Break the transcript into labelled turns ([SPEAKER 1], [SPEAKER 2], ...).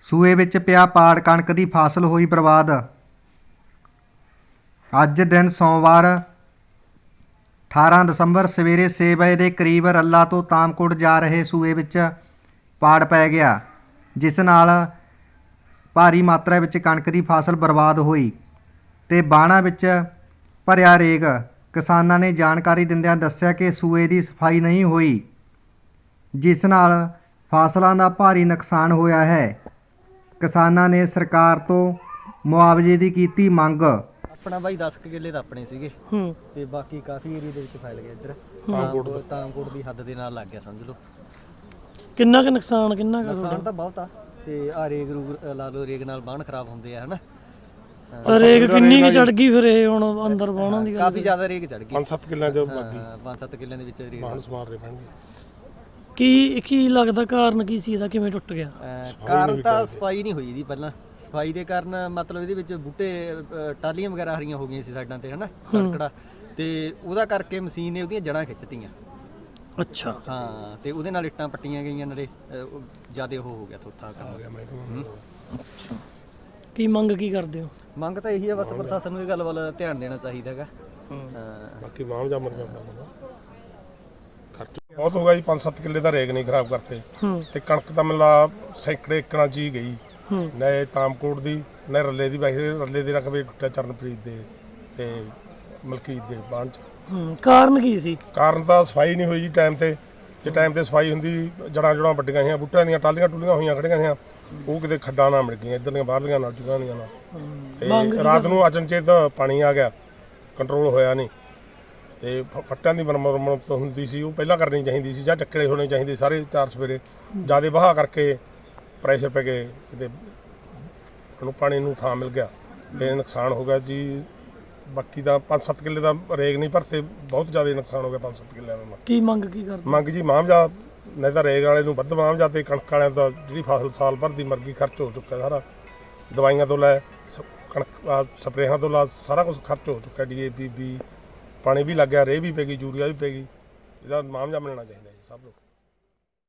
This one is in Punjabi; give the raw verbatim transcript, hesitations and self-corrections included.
[SPEAKER 1] ਸੂਏ ਵਿੱਚ ਪਿਆ ਪਾੜ, ਕਣਕ ਦੀ ਫਸਲ ਹੋਈ ਬਰਬਾਦ। ਅੱਜ ਦਿਨ ਸੋਮਵਾਰ ਅਠਾਰਾਂ ਦਸੰਬਰ ਸਵੇਰੇ ਛੇ ਵਜੇ ਦੇ ਕਰੀਬ ਰੱਲਾ ਤੋਂ ਤਾਮਕੋਟ ਜਾ ਰਹੇ ਸੂਏ ਵਿੱਚ ਪਾੜ ਪੈ ਗਿਆ, ਜਿਸ ਨਾਲ ਭਾਰੀ ਮਾਤਰਾ ਵਿੱਚ ਕਣਕ ਦੀ ਫਸਲ ਬਰਬਾਦ ਹੋਈ ਤੇ ਬਾਣਾ ਵਿੱਚ ਭਰਿਆ ਰੇਗ। ਕਿਸਾਨਾਂ ਨੇ ਜਾਣਕਾਰੀ ਦਿੰਦਿਆਂ ਦੱਸਿਆ ਕਿ ਸੂਏ ਦੀ ਸਫਾਈ ਨਹੀਂ ਹੋਈ, ਜਿਸ ਨਾਲ ਫਸਲਾਂ ਦਾ ਭਾਰੀ ਨੁਕਸਾਨ ਹੋਇਆ ਹੈ। ਕਿਸਾਨਾਂ ਨੇ ਸਰਕਾਰ ਤੋਂ ਮੁਆਵਜ਼ੇ ਦੀ ਕੀਤੀ ਮੰਗ।
[SPEAKER 2] अपना भाई दस किले तो अपने सीगे ते बाकी काफ़ी एरिया दे विच फैल गया इधर तामकोट तामकोट दी हद दे नाल लग गया समझ लो।
[SPEAKER 3] किन्ना क नुकसान किन्ना क
[SPEAKER 2] नुकसान तो बहुत आ ते आ रेग रूग ला लो रेग नाल बाण खराब होंदे आ है ना।
[SPEAKER 3] रेग किन्नी क चढ़ गई फिर ये हुण अंदर बाणा दी
[SPEAKER 2] काफ़ी ज़्यादा रेग चढ़ गई
[SPEAKER 4] पांच सत्त किले जो बाकी
[SPEAKER 2] पांच सत्त किले दे विच रेग
[SPEAKER 4] बाण सवार रहे पैणगे।
[SPEAKER 3] ਕੀ ਕੀ ਲੱਗਦਾ ਕਾਰਨ ਕੀ ਸੀ ਇਹਦਾ, ਕਿਵੇਂ ਟੁੱਟ ਗਿਆ?
[SPEAKER 2] ਕਾਰਨ ਤਾਂ ਸਫਾਈ ਨਹੀਂ ਹੋਈ ਇਹਦੀ। ਪਹਿਲਾਂ ਸਫਾਈ ਦੇ ਕਾਰਨ ਮਤਲਬ ਇਹਦੇ ਵਿੱਚ ਬੂਟੇ ਟਾਲੀਆਂ ਵਗੈਰਾ ਹਰੀਆਂ ਹੋ ਗਈਆਂ ਸੀ ਸਾਈਡਾਂ ਤੇ ਹਨਾ ਸੜਕੜਾ, ਤੇ ਉਹਦਾ ਕਰਕੇ ਮਸ਼ੀਨ ਨੇ ਉਹਦੀਆਂ ਜੜ੍ਹਾਂ ਖਿੱਚਤੀਆਂ।
[SPEAKER 3] ਅੱਛਾ
[SPEAKER 2] ਹਾਂ, ਤੇ ਉਹਦੇ ਨਾਲ ਇੱਟਾਂ ਪੱਟੀਆਂ ਗਈਆਂ ਨਾਲੇ ਜਿਆਦਾ ਉਹ ਹੋ ਗਿਆ ਥੋਥਾ ਕੰਮ।
[SPEAKER 3] ਕੀ ਮੰਗ ਕੀ ਕਰਦੇ ਹੋ?
[SPEAKER 2] ਮੰਗ ਤਾਂ ਇਹੀ ਆ ਬਸ ਪ੍ਰਸ਼ਾਸਨ ਨੂੰ ਇਹ ਗੱਲ ਵੱਲ ਧਿਆਨ ਦੇਣਾ ਚਾਹੀਦਾ ਹੈਗਾ।
[SPEAKER 4] ਬਾਕੀ ਮਾਮਜਾ ਮਰ ਜਾਂਦਾ ਖਰਚ ਬਹੁਤ ਹੋ ਗਿਆ ਜੀ। ਪੰਜ ਸੱਤ ਕਿੱਲੇ ਦਾ ਰੇਗ ਨਹੀਂ ਖਰਾਬ ਕਰਤੇ ਤੇ ਕਣਕ ਤਾਂ ਮਿਲਾ ਸੈਂਕੜੇ ਏਕੜਾਂ ਚ ਹੀ ਗਈ। ਨਾ ਤਾਮਕੋਟ ਦੀ ਨਾ ਰੱਲੇ ਦੀ। ਵੈਸੇ ਰੱਲੇ ਦੇ ਰਕਬੇ ਟੁੱਟਿਆ ਚਰਨਪ੍ਰੀਤ ਦੇ ਤੇ ਮਲਕੀਤ ਦੇ ਬਾਣ ਚ।
[SPEAKER 3] ਕਾਰਨ ਕੀ ਸੀ?
[SPEAKER 4] ਕਾਰਨ ਤਾਂ ਸਫਾਈ ਨਹੀਂ ਹੋਈ ਜੀ ਟਾਈਮ ਤੇ। ਜੇ ਟਾਈਮ ਤੇ ਸਫਾਈ ਹੁੰਦੀ, ਜੜਾਂ ਜੜਾਂ ਵੱਡੀਆਂ ਸੀ, ਬੂਟਿਆਂ ਦੀਆਂ ਟਾਲੀਆਂ ਟੁੱਲੀਆਂ ਹੋਈਆਂ ਖੜੀਆਂ ਸੀ, ਉਹ ਕਿਤੇ ਖੱਡਾਂ ਨਾਲ ਮਿਲ ਗਈਆਂ, ਇੱਧਰਲੀਆਂ ਬਾਹਰਲੀਆਂ ਨਾਲ ਜੁਗਾਂ ਦੀਆਂ ਨਾਲ। ਤੇ ਰਾਤ ਨੂੰ ਅਚਨਚੇਤ ਪਾਣੀ ਆ ਗਿਆ, ਕੰਟਰੋਲ ਹੋਇਆ ਨਹੀਂ ਤੇ ਫੱਟਾਂ ਦੀ ਮੁਰੰਮਤ ਹੁੰਦੀ ਸੀ, ਉਹ ਪਹਿਲਾਂ ਕਰਨੀ ਚਾਹੀਦੀ ਸੀ ਜਾਂ ਚੱਕੜੇ ਹੋਣੇ ਚਾਹੀਦੇ ਸਾਰੇ ਚਾਰ ਸਵੇਰੇ। ਜ਼ਿਆਦਾ ਵਹਾਅ ਕਰਕੇ ਪ੍ਰੈਸ਼ਰ ਪੈ ਗਏ, ਕਿਤੇ ਉਹਨੂੰ ਪਾਣੀ ਨੂੰ ਥਾਂ ਮਿਲ ਗਿਆ ਤੇ ਨੁਕਸਾਨ ਹੋ ਗਿਆ ਜੀ। ਬਾਕੀ ਦਾ ਪੰਜ ਸੱਤ ਕਿੱਲੇ ਦਾ ਰੇਗ ਨਹੀਂ ਭਰਤੇ, ਬਹੁਤ ਜ਼ਿਆਦਾ ਨੁਕਸਾਨ ਹੋ ਗਿਆ ਪੰਜ ਸੱਤ ਕਿੱਲਿਆਂ ਦਾ।
[SPEAKER 3] ਕੀ ਮੰਗ ਕੀ ਕਰਦੇ?
[SPEAKER 4] ਮੰਗ ਜੀ ਮਾਮਜਾ, ਨਹੀਂ ਤਾਂ ਰੇਗ ਵਾਲੇ ਨੂੰ ਵੱਧ ਮਾਮਜਾ ਤੇ ਕਣਕ ਵਾਲਿਆਂ ਦਾ ਜਿਹੜੀ ਫਸਲ ਸਾਲ ਭਰ ਦੀ ਮਰ ਗਈ, ਖਰਚ ਹੋ ਚੁੱਕਾ ਸਾਰਾ। ਦਵਾਈਆਂ ਤੋਂ ਲੈ ਕਣਕ ਸਪਰੇਹਾਂ ਤੋਂ ਲਾ ਸਾਰਾ ਕੁਝ ਖਰਚ ਹੋ ਚੁੱਕਾ। ਡੀ ਏ ਪੀ ਵੀ ਪਾਣੀ ਵੀ ਲੱਗ ਗਿਆ, ਰੇਹ ਵੀ ਪੈ ਗਈ, ਯੂਰੀਆ ਵੀ ਪੈ ਗਈ। ਇਹਦਾ ਮਾਮਜਾ ਮਿਲਣਾ ਚਾਹੀਦਾ ਜੀ ਸਭ ਨੂੰ।